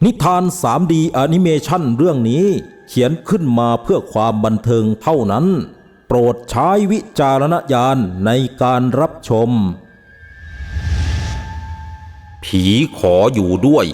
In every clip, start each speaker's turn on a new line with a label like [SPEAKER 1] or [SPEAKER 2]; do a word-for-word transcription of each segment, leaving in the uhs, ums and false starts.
[SPEAKER 1] นิทาน ทรี ดี แอนิเมชันเรื่องนี้เขียนขึ้นมาเพื่อความบันเทิงเท่านั้นโปรดใช้วิจารณญาณในการรับชมผีขออยู่ด้วย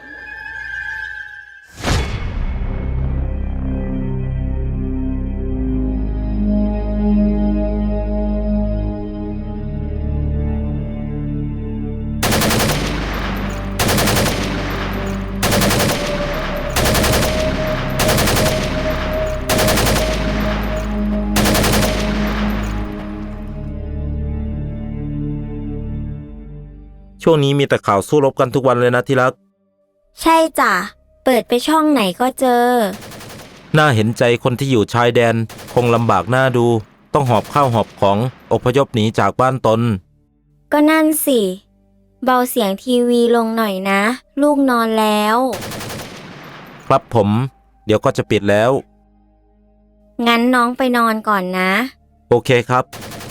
[SPEAKER 1] ช่วงนี้มีแต่ข่าวสู้รบกันทุกวันเลยนะที่รัก
[SPEAKER 2] ใช่จ้ะเปิดไปช่องไหนก็เจอ
[SPEAKER 1] น่าเห็นใจคนที่อยู่ชายแดนคงลำบากหน้าดูต้องหอบข้าวหอบของอพยพหนีจากบ้านตน
[SPEAKER 2] ก็นั่นสิเบาเสียงทีวีลงหน่อยนะลูกนอนแล้ว
[SPEAKER 1] ครับผมเดี๋ยวก็จะปิดแล้ว
[SPEAKER 2] งั้นน้องไปนอนก่อนนะ
[SPEAKER 1] โอเคครับ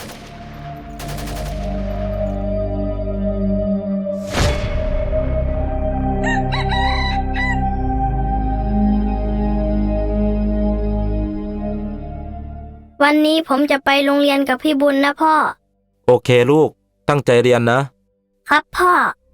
[SPEAKER 2] วันนี้ผมจะไปโรงเรียนกับพี่บุญนะพ่อ
[SPEAKER 1] โอเคลูกตั้งใจเรียนนะครับ
[SPEAKER 2] พ่อ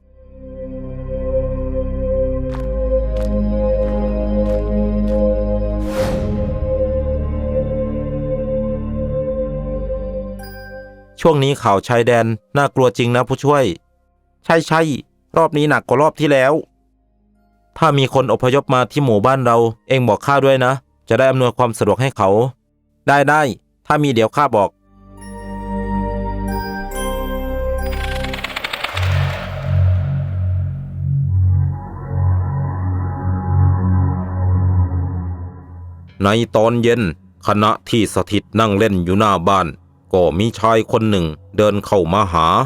[SPEAKER 1] ช่วงนี้ข่าวชายแดนน่ากลัวจริงนะผู้ช่วยใช่ใช่รอบนี้หนักกว่ารอบที่แล้วถ้ามีคนอพยพมาที่หมู่บ้านเราเองบอกข้าด้วยนะจะได้อำนวยความสะดวกให้เขาได้ได้ถ้ามีเดี๋ยวข้าบอกในตอนเย็นขณะที่สถิตนั่งเล่นอยู่หน้าบ้านก็มีชายคนหนึ่งเดินเข้ามาหา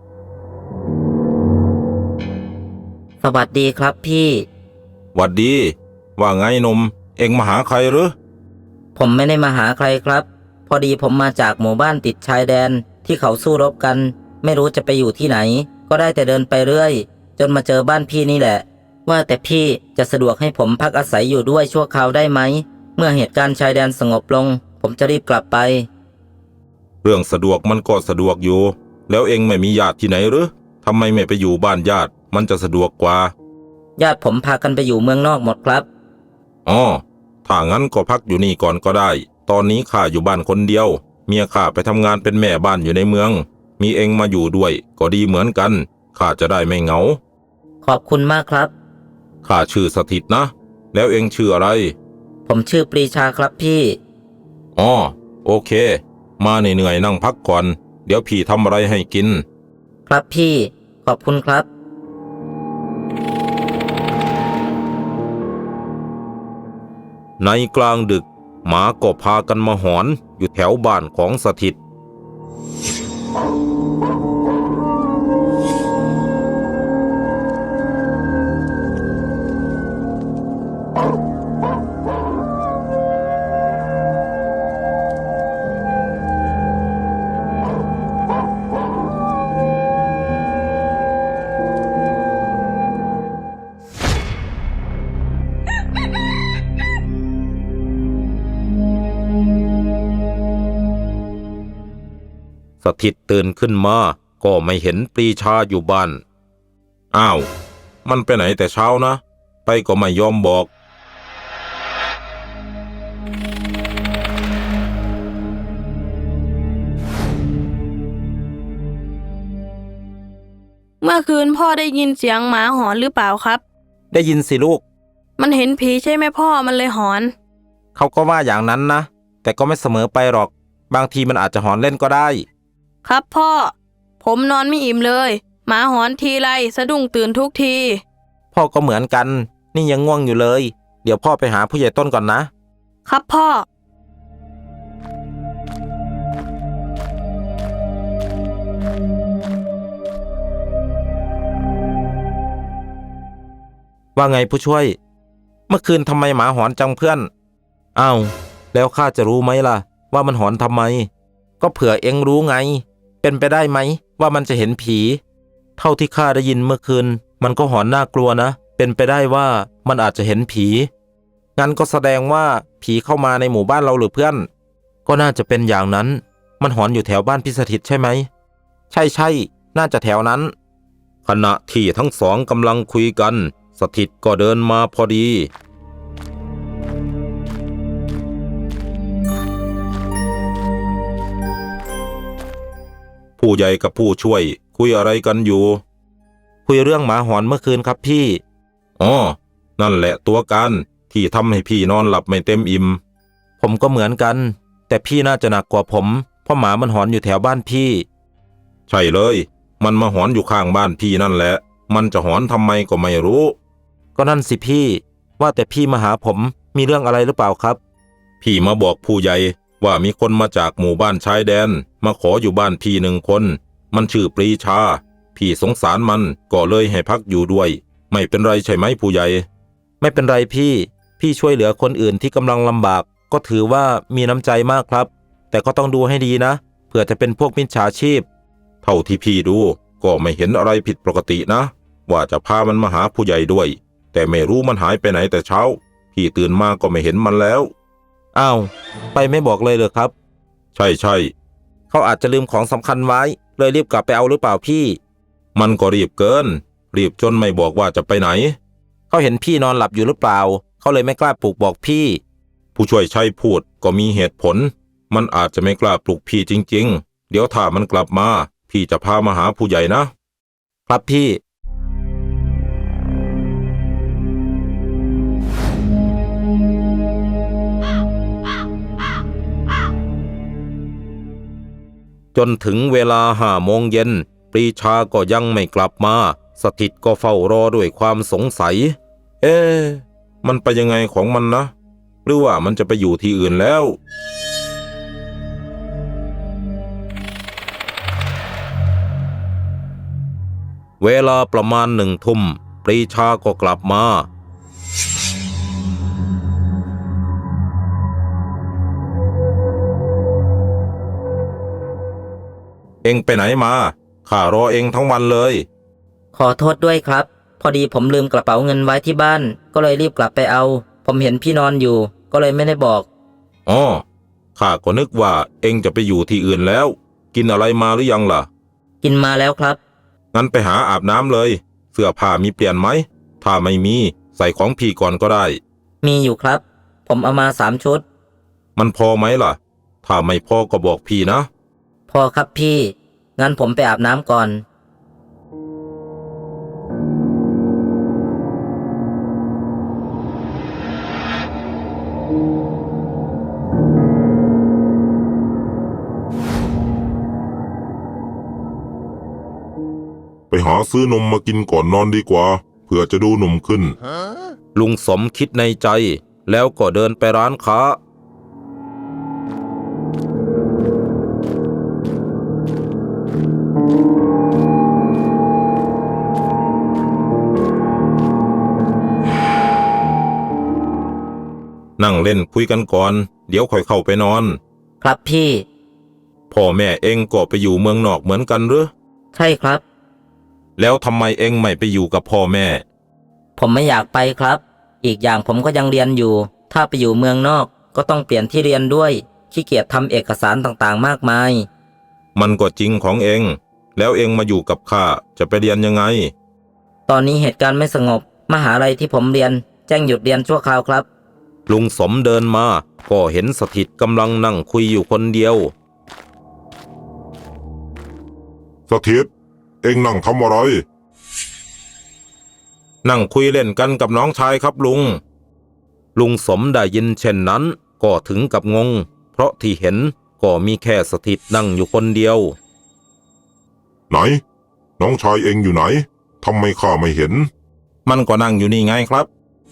[SPEAKER 3] สวัสดีครับพี่
[SPEAKER 1] หวัดดีว่าไงหนุ่มเอ็งมาหาใครหรือ
[SPEAKER 3] ผมไม่ได้มาหาใครครับพอดีผมมาจากหมู่บ้านติดชายแดนที่เขาสู้รบกันไม่รู้จะไปอยู่ที่ไหนก็ได้แต่เดินไปเรื่อยจนมาเจอบ้านพี่นี่แหละว่าแต่พี่จะสะดวกให้ผมพักอาศัยอยู่ด้วยชั่วคราวได้ไหมเมื่อเหตุการณ์ชายแดนสงบลงผมจะรีบกลับไป
[SPEAKER 1] เรื่องสะดวกมันก็สะดวกอยู่แล้วเอ็งไม่มีญาติที่ไหนหรือทำไมไม่ไปอยู่บ้านญาติมันจะสะดวกกว่า
[SPEAKER 3] ญาติผมพากันไปอยู่เมืองนอกหมดครับ
[SPEAKER 1] อ๋อถ้างั้นก็พักอยู่นี่ก่อนก็ได้ตอนนี้ข้าอยู่บ้านคนเดียวเมียข้าไปทำงานเป็นแม่บ้านอยู่ในเมืองมีเอ็งมาอยู่ด้วยก็ดีเหมือนกันข้าจะได้ไม่เหงา
[SPEAKER 3] ขอบคุณมากครับ
[SPEAKER 1] ข้าชื่อสถิตนะแล้วเอ็งชื่ออะไร
[SPEAKER 3] ผมชื่อปรีชาครับพี่
[SPEAKER 1] อ๋อโอเคมาเหนื่อยๆนั่งพักก่อนเดี๋ยวพี่ทำอะไรให้กิน
[SPEAKER 3] ครับพี่ขอบคุณครับ
[SPEAKER 1] ในกลางดึกหมาก็พากันมาหอนอยู่แถวบ้านของสถิตสถิตตื่นขึ้นมาก็ไม่เห็นปรีชาอยู่บ้านอ้าวมันไปไหนแต่เช้านะไปก็ไม่ยอมบอก
[SPEAKER 4] เมื่อคืนพ่อได้ยินเสียงหมาหอนหรือเปล่าครับ
[SPEAKER 1] ได้ยินสิลูก
[SPEAKER 4] มันเห็นผีใช่ไหมพ่อมันเลยหอน
[SPEAKER 1] เขาก็ว่าอย่างนั้นนะแต่ก็ไม่เสมอไปหรอกบางทีมันอาจจะหอนเล่นก็ได้
[SPEAKER 4] ครับพ่อผมนอนไม่อิ่มเลยหมาหอนทีไรสะดุ้งตื่นทุกที
[SPEAKER 1] พ่อก็เหมือนกันนี่ยังง่วงอยู่เลยเดี๋ยวพ่อไปหาผู้ใหญ่ต้นก่อนนะครับ
[SPEAKER 4] พ่อ
[SPEAKER 1] ว่าไงผู้ช่วยเมื่อคืนทำไมหมาหอนจังเพื่อนอ้าวแล้วข้าจะรู้ไหมล่ะว่ามันหอนทำไมก็เผื่อเอ็งรู้ไงเป็นไปได้ไหมว่ามันจะเห็นผีเท่าที่ข้าได้ยินเมื่อคืนมันก็หอนน่ากลัวนะเป็นไปได้ว่ามันอาจจะเห็นผี งั้นก็แสดงว่าผีเข้ามาในหมู่บ้านเราหรือเพื่อน ก็น่าจะเป็นอย่างนั้น มันหอนอยู่แถวบ้านพี่สถิตใช่ไหม ใช่ใช่น่าจะแถวนั้น ขณะที่ทั้งสองกำลังคุยกันสถิตก็เดินมาพอดี ผู้ใหญ่กับผู้ช่วยคุยอะไรกันอยู่ คุยเรื่องหมาหอนเมื่อคืนครับพี่ อ๋อ นั่นแหละตัวการที่ทำให้พี่นอนหลับไม่เต็มอิ่ม ผมก็เหมือนกัน แต่พี่น่าจะหนักกว่าผม เพราะหมามันหอนอยู่แถวบ้านพี่ ใช่เลย มันมาหอนอยู่ข้างบ้านพี่นั่นแหละ มันจะหอนทำไมก็ไม่รู้ ก็นั่นสิพี่ ว่าแต่พี่มาหาผมมีเรื่องอะไรหรือเปล่าครับ พี่มาบอกผู้ใหญ่ว่ามีคนมาจากหมู่บ้านชายแดนมาขออยู่บ้านพี่หนึ่งคน มันชื่อปรีชา พี่สงสารมันก็เลยให้พักอยู่ด้วย ไม่เป็นไรใช่ไหมผู้ใหญ่ ไม่เป็นไรพี่ พี่ช่วยเหลือคนอื่นที่กำลังลำบากก็ถือว่ามีน้ำใจมากครับ แต่ก็ต้องดูให้ดีนะเผื่อจะเป็นพวกมิจฉาชีพ เท่าที่พี่ดูก็ไม่เห็นอะไรผิดปกตินะ ว่าจะพามันมาหาผู้ใหญ่ด้วย แต่ไม่รู้มันหายไปไหนแต่เช้า พี่ตื่นมาก็ไม่เห็นมันแล้ว อ้าว ไปไม่บอกเลยเหรอครับ ใช่ใช่เขาอาจจะลืมของสำคัญไว้เลยรีบกลับไปเอาหรือเปล่าพี่ มันก็รีบเกิน รีบจนไม่บอกว่าจะไปไหน เขาเห็นพี่นอนหลับอยู่หรือเปล่าเขาเลยไม่กล้าปลุกบอกพี่ ผู้ช่วยชัยพูดก็มีเหตุผล มันอาจจะไม่กล้าปลุกพี่จริงๆ เดี๋ยวถ้ามันกลับมาพี่จะพามาหาผู้ใหญ่นะ ครับพี่ จนถึงเวลาห้าโมงเย็นปรีชาก็ยังไม่กลับมาสถิตก็เฝ้ารอด้วยความสงสัย เอ๊ะมันไปยังไงของมันนะ หรือว่ามันจะไปอยู่ที่อื่นแล้ว เวลาประมาณหนึ่งทุ่มปรีชาก็กลับมา เอ็งไปไหนมาข้ารอเอ็งทั้งวันเลย
[SPEAKER 3] ขอโทษด้วยครับ พอดีผมลืมกระเป๋าเงินไว้ที่บ้าน ก็เลยรีบกลับไปเอา ผมเห็นพี่นอนอยู่ ก็เลยไม่ได้บอก
[SPEAKER 1] อ๋อข้าก็นึกว่าเอ็งจะไปอยู่ที่อื่นแล้ว กินอะไรมาหรือยังล่ะ
[SPEAKER 3] กินมาแล้วครับ
[SPEAKER 1] งั้นไปหาอาบน้ำเลย เสื้อผ้ามีเปลี่ยนไหม ถ้าไม่มีใส่ของพี่ก่อนก็ได้
[SPEAKER 3] มีอยู่ครับ ผมเอามาสามชุด
[SPEAKER 1] มันพอไหมล่ะ ถ้าไม่พอก็บอกพี่นะ
[SPEAKER 3] พอครับพี่ งั้นผมไปอาบน้ำก่อน
[SPEAKER 5] ไปหาซื้อนมมากินก่อนนอนดีกว่าเผื่อจะดูหนุ่มขึ้น
[SPEAKER 1] ลุงสมคิดในใจ แล้วก็เดินไปร้านค้า นั่งเล่นคุยกันก่อน เดี๋ยวค่อยเข้าไปนอน
[SPEAKER 3] ครับพี่
[SPEAKER 1] พ่อแม่เอ็งก็ไปอยู่เมืองนอกเหมือนกันหรือ
[SPEAKER 3] ใช่ครับ
[SPEAKER 1] แล้วทำไมเอ็งไม่ไปอยู่กับพ่อแม่
[SPEAKER 3] ผมไม่อยากไปครับ อีกอย่างผมก็ยังเรียนอยู่ ถ้าไปอยู่เมืองนอกก็ต้องเปลี่ยนที่เรียนด้วยขี้เกียจทำเอกสารต่างๆมากมาย
[SPEAKER 1] มันก็จริงของเอ็ง แล้วเอ็งมาอยู่กับข้าจะไปเรียนยังไง
[SPEAKER 3] ตอนนี้เหตุการณ์ไม่สงบ มหาลัยที่ผมเรียนแจ้งหยุดเรียนชั่วคราวครับ
[SPEAKER 1] ลุงสมเดินมาก็เห็นสถิตกำลังนั่งคุยอยู่คนเดียว
[SPEAKER 5] สถิต เอ็งนั่งทำอะไร
[SPEAKER 1] นั่งคุยเล่นกันกับน้องชายครับลุง ลุงสมได้ยินเช่นนั้นก็ถึงกับงง เพราะที่เห็นก็มีแค่สถิตนั่งอยู่คนเดียว
[SPEAKER 5] ไหน น้องชายเอ็งอยู่ไหนทำไมข้าไม่เห็น
[SPEAKER 1] มันก็นั่งอยู่นี่ไงครับ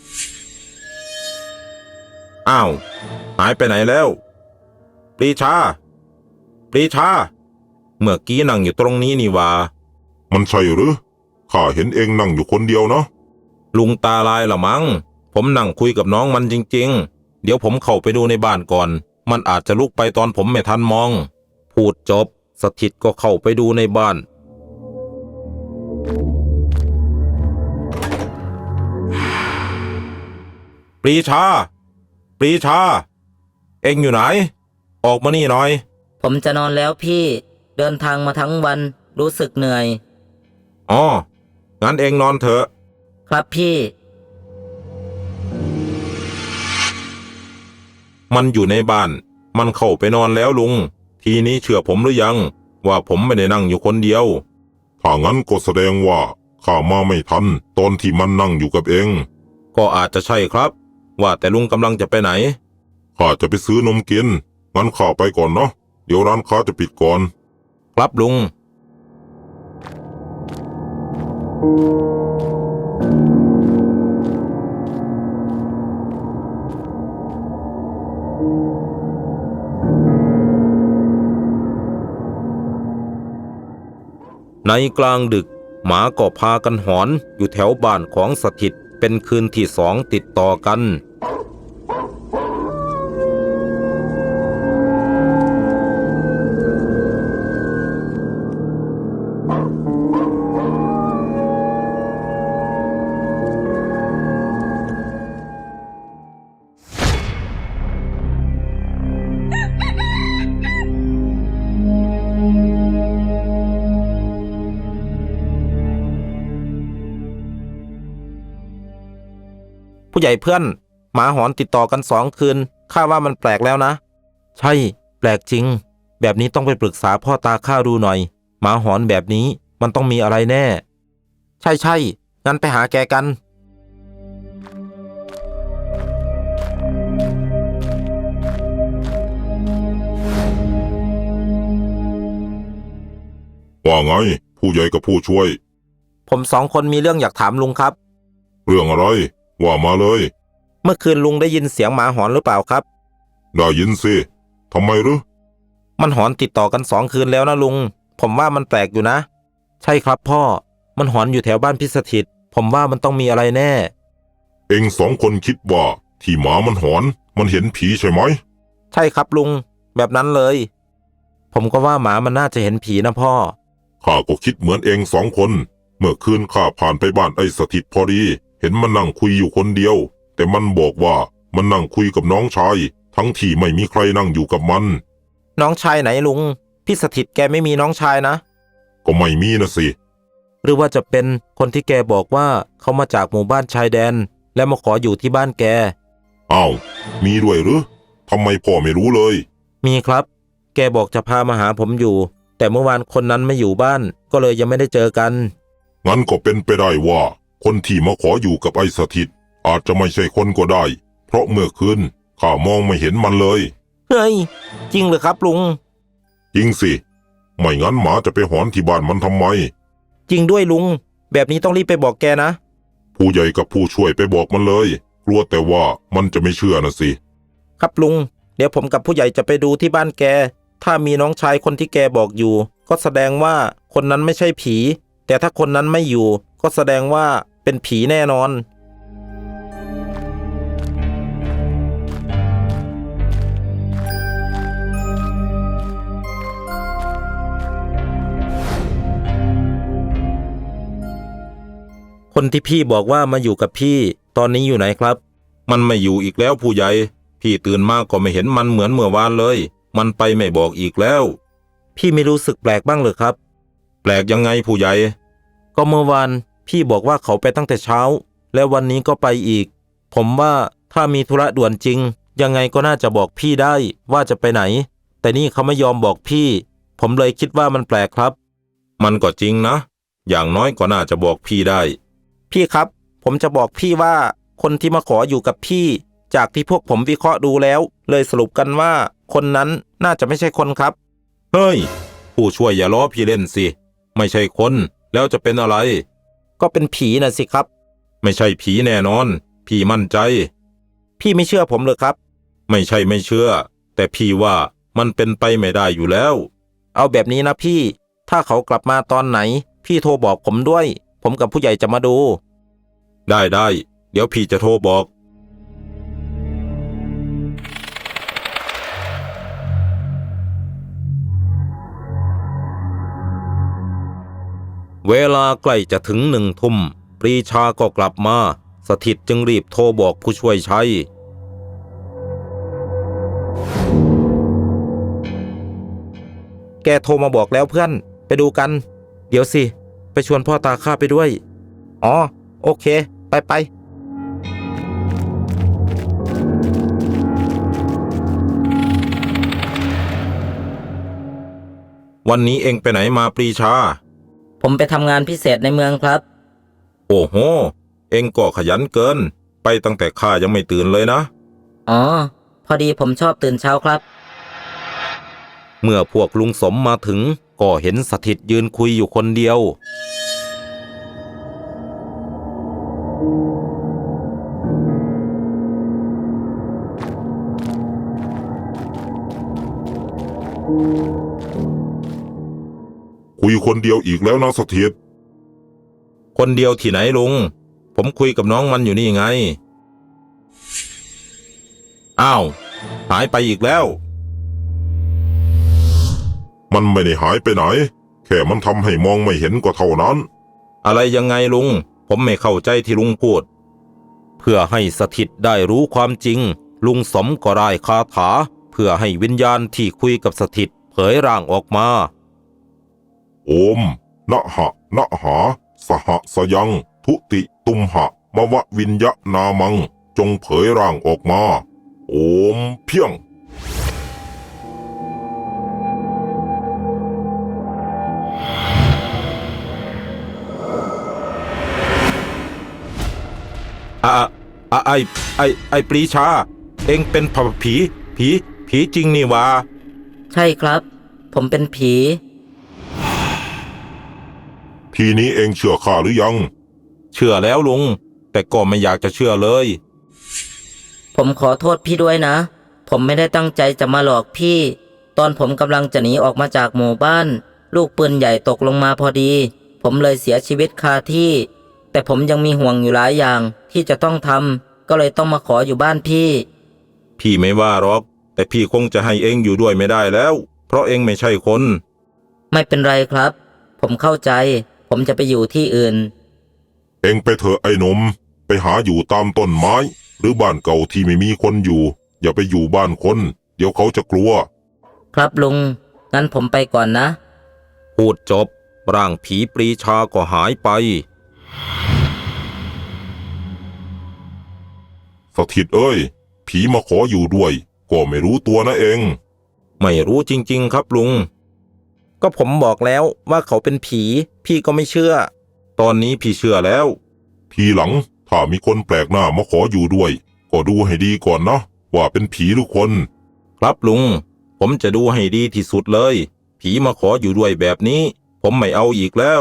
[SPEAKER 1] อ้าว หายไปไหนแล้วปรีชาปรีชา เมื่อกี้นั่งอยู่ตรงนี้นี่หว่า
[SPEAKER 5] มันใช่หรือข้าเห็นเอ็งนั่งอยู่คนเดียวนะ
[SPEAKER 1] ลุงตาลายละมั้ง ผมนั่งคุยกับน้องมันจริงๆ เดี๋ยวผมเข้าไปดูในบ้านก่อน มันอาจจะลุกไปตอนผมไม่ทันมอง พูดจบสถิตก็เข้าไปดูในบ้านรีชา ปรีชา เอ็งอยู่ไหน ออกมานี่หน่อย
[SPEAKER 3] ผมจะนอนแล้วพี่ เดินทางมาทั้งวันรู้สึกเหนื่อย
[SPEAKER 1] อ๋อ งั้นเอ็งนอนเถอะ
[SPEAKER 3] ครับพี่
[SPEAKER 1] มันอยู่ในบ้าน มันเข้าไปนอนแล้วลุง ทีนี้เชื่อผมหรือยัง ว่าผมไม่ได้นั่งอยู่คนเดียว
[SPEAKER 5] ถ้างั้นก็แสดงว่าข้ามาไม่ทันตอนที่มันนั่งอยู่กับเอง
[SPEAKER 1] ก็อาจจะใช่ครับ ว่าแต่ลุงกำลังจะไปไหน
[SPEAKER 5] ข้าจะไปซื้อนมกิน งั้นข้าไปก่อนเนาะ เดี๋ยวร้านค้าจะปิดก่อน
[SPEAKER 1] ครับลุง ในกลางดึก หมาก็พากันหอนอยู่แถวบ้านของสถิตเป็นคืนที่สองติดต่อกัน ผู้ใหญ่เพื่อน หมาหอนติดต่อกันสองคืนข้าว่ามันแปลกแล้วนะ ใช่ แปลกจริง แบบนี้ต้องไปปรึกษาพ่อตาข้าดูหน่อย หมาหอนแบบนี้มันต้องมีอะไรแน่ ใช่ใช่งั้นไปหาแกกัน
[SPEAKER 5] ว่าไง ผู้ใหญ่กับผู้ช่วย
[SPEAKER 1] ผมสองคนมีเรื่องอยากถามลุงครับ
[SPEAKER 5] เรื่องอะไร ว่ามาเลย
[SPEAKER 1] เมื่อคืนลุงได้ยินเสียงหมาหอนหรือเปล่าครับ
[SPEAKER 5] ได้ยินสิทำไมหรือ
[SPEAKER 1] มันหอนติดต่อกันสองคืนแล้วนะลุง ผมว่ามันแปลกอยู่นะ ใช่ครับพ่อ มันหอนอยู่แถวบ้านพิสถิต ผมว่ามันต้องมีอะไรแน่
[SPEAKER 5] เองสองคนคิดว่าที่หมามันหอน มันเห็นผีใช่ไหม
[SPEAKER 1] ใช่ครับลุง แบบนั้นเลย ผมก็ว่าหมามันน่าจะเห็นผีนะพ่อ
[SPEAKER 5] ข้าก็คิดเหมือนเองสองคน เมื่อคืนข้าผ่านไปบ้านไอ้สถิตพอดี เห็นมันนั่งคุยอยู่คนเดียว แต่มันบอกว่ามันนั่งคุยกับน้องชาย ทั้งที่ไม่มีใครนั่งอยู่กับมัน
[SPEAKER 1] น้องชายไหนลุง พี่สถิตแกไม่มีน้องชายนะ
[SPEAKER 5] ก็ไม่มีนะสิ
[SPEAKER 1] หรือว่าจะเป็นคนที่แกบอกว่าเขามาจากหมู่บ้านชายแดน และมาขออยู่ที่บ้านแก
[SPEAKER 5] อ้าว มีด้วยหรือทำไมพ่อไม่รู้เลย
[SPEAKER 1] มีครับ แกบอกจะพามาหาผมอยู่ แต่เมื่อวานคนนั้นไม่อยู่บ้าน ก็เลยยังไม่ได้เจอกัน
[SPEAKER 5] งั้นก็เป็นไปได้ว่า คนที่มาขออยู่กับไอ้สถิต อาจจะไม่ใช่คนก็ได้ เพราะเมื่อคืนข้ามองไม่เห็นมันเลย
[SPEAKER 1] เฮ้ย จริงเหรอครับลุง
[SPEAKER 5] จริงสิ ไม่งั้นหมาจะไปหอนที่บ้านมันทำไม
[SPEAKER 1] จริงด้วยลุง แบบนี้ต้องรีบไปบอกแกนะ
[SPEAKER 5] ผู้ใหญ่กับผู้ช่วยไปบอกมันเลย กลัวแต่ว่ามันจะไม่เชื่อนะสิ
[SPEAKER 1] ครับลุง เดี๋ยวผมกับผู้ใหญ่จะไปดูที่บ้านแก ถ้ามีน้องชายคนที่แกบอกอยู่ ก็แสดงว่าคนนั้นไม่ใช่ผี แต่ถ้าคนนั้นไม่อยู่ ก็แสดงว่าเป็นผีแน่นอน คนที่พี่บอกว่ามาอยู่กับพี่ ตอนนี้อยู่ไหนครับ มันไม่อยู่อีกแล้วผู้ใหญ่ พี่ตื่นมาก็ไม่เห็นมันเหมือนเมื่อวานเลย มันไปไม่บอกอีกแล้ว พี่ไม่รู้สึกแปลกบ้างเหรอครับ แปลกยังไงผู้ใหญ่ ก็เมื่อวานพี่บอกว่าเขาไปตั้งแต่เช้า และวันนี้ก็ไปอีก ผมว่าถ้ามีธุระด่วนจริง ยังไงก็น่าจะบอกพี่ได้ว่าจะไปไหน แต่นี่เขาไม่ยอมบอกพี่ ผมเลยคิดว่ามันแปลกครับ มันก็จริงนะ อย่างน้อยก็น่าจะบอกพี่ได้ พี่ครับ ผมจะบอกพี่ว่าคนที่มาขออยู่กับพี่ จากที่พวกผมวิเคราะห์ดูแล้ว เลยสรุปกันว่า คนนั้นน่าจะไม่ใช่คนครับ เฮ้ย ผู้ช่วยอย่าล้อพี่เล่นสิ ไม่ใช่คนแล้วจะเป็นอะไร ก็เป็นผีน่ะสิครับ ไม่ใช่ผีแน่นอน พี่มั่นใจ พี่ไม่เชื่อผมเลยครับ ไม่ใช่ไม่เชื่อ แต่พี่ว่ามันเป็นไปไม่ได้อยู่แล้ว เอาแบบนี้นะพี่ ถ้าเขากลับมาตอนไหน พี่โทรบอกผมด้วย ผมกับผู้ใหญ่จะมาดู ได้ได้ เดี๋ยวพี่จะโทรบอก เวลาใกล้จะถึงหนึ่งทุ่ม ปรีชาก็กลับมาสถิตจึงรีบโทรบอกผู้ช่วยชัยแกโทรมาบอกแล้วเพื่อนไปดูกันเดี๋ยวสิไปชวนพ่อตาข้าไปด้วยอ๋อโอเคไปไปวันนี้เอ็งไปไหนมาปรีชา
[SPEAKER 3] ผมไปทำงานพิเศษในเมืองครับ
[SPEAKER 1] โอ้โหเอ็งก็ขยันเกินไปตั้งแต่ข้ายังไม่ตื่นเลยนะ
[SPEAKER 3] อ๋อ พอดีผมชอบตื่นเช้าครับ
[SPEAKER 1] เมื่อพวกลุงสมมาถึงก็เห็นสถิตยืนคุยอยู่คนเดียว
[SPEAKER 5] คุยคนเดียวอีกแล้วนะสถิต
[SPEAKER 1] คนเดียวที่ไหนลุงผมคุยกับน้องมันอยู่นี่ไงอ้าวหายไปอีกแล้ว
[SPEAKER 5] มันไม่ได้หายไปไหนแค่มันทำให้มองไม่เห็นก็เท่านั้น
[SPEAKER 1] อะไรยังไงลุงผมไม่เข้าใจที่ลุงพูดเพื่อให้สถิตได้รู้ความจริงลุงสมก็ได้คาถาเพื่อให้วิญญาณที่คุยกับสถิตเผยร่างออกมา
[SPEAKER 5] โอมนะหะนะหาสหสยังทุติตุมหะมวะวิญญานามังจงเผยร่างออกมาโอมเพียง
[SPEAKER 1] อ่ะอ่ะไอไอไอปรีชาเอ็งเป็นผีผีผีจริงนี่วะ
[SPEAKER 3] ใช่ครับ ผมเป็นผี
[SPEAKER 5] ทีนี้เองเชื่อข้าหรือยัง
[SPEAKER 1] เชื่อแล้วลุงแต่ก็ไม่อยากจะเชื่อเลย
[SPEAKER 3] ผมขอโทษพี่ด้วยนะ ผมไม่ได้ตั้งใจจะมาหลอกพี่ ตอนผมกำลังจะหนีออกมาจากหมู่บ้าน ลูกปืนใหญ่ตกลงมาพอดี ผมเลยเสียชีวิตคาที่ แต่ผมยังมีห่วงอยู่หลายอย่างที่จะต้องทำก็เลยต้องมาขออยู่บ้านพี่
[SPEAKER 1] พี่ไม่ว่าหรอกแต่พี่คงจะให้เอ็งอยู่ด้วยไม่ได้แล้วเพราะเอ็งไม่ใช่คน
[SPEAKER 3] ไม่เป็นไรครับ ผมเข้าใจ ผมจะไปอยู่ที่อื่น
[SPEAKER 5] เองไปเถอะไอ้หนมไปหาอยู่ตามต้นไม้หรือบ้านเก่าที่ไม่มีคนอยู่อย่าไปอยู่บ้านคนเดี๋ยวเขาจะกลัว
[SPEAKER 3] ครับลุงงั้นผมไปก่อนนะ
[SPEAKER 1] พูดจบร่างผีปรีชาก็หายไป
[SPEAKER 5] สถิตเอ้ยผีมาขออยู่ด้วยก็ไม่รู้ตัวนะเอง
[SPEAKER 1] ไม่รู้จริงๆครับลุงก็ผมบอกแล้วว่าเขาเป็นผีพี่ก็ไม่เชื่อตอนนี้พี่เชื่อแล้ว
[SPEAKER 5] ทีหลังถ้ามีคนแปลกหน้ามาขออยู่ด้วยก็ดูให้ดีก่อนนะว่าเป็นผีหรือคน
[SPEAKER 1] ครับลุงผมจะดูให้ดีที่สุดเลยผีมาขออยู่ด้วยแบบนี้ผมไม่เอาอีกแล้ว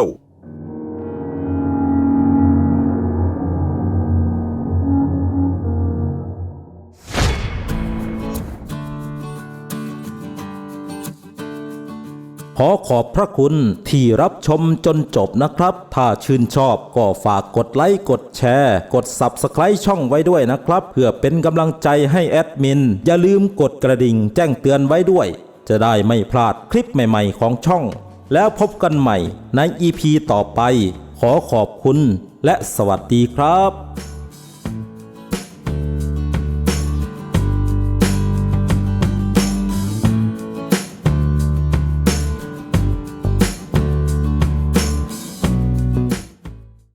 [SPEAKER 1] ขอขอบพระคุณที่รับชมจนจบนะครับถ้าชื่นชอบก็ฝากกดไลค์กดแชร์กด ซับสไครบ์ ช่องไว้ด้วยนะครับเพื่อเป็นกำลังใจให้แอดมินอย่าลืมกดกระดิ่งแจ้งเตือนไว้ด้วยจะได้ไม่พลาดคลิปใหม่ๆของช่องแล้วพบกันใหม่ใน อี พี ต่อไปขอขอบคุณและสวัสดีครับ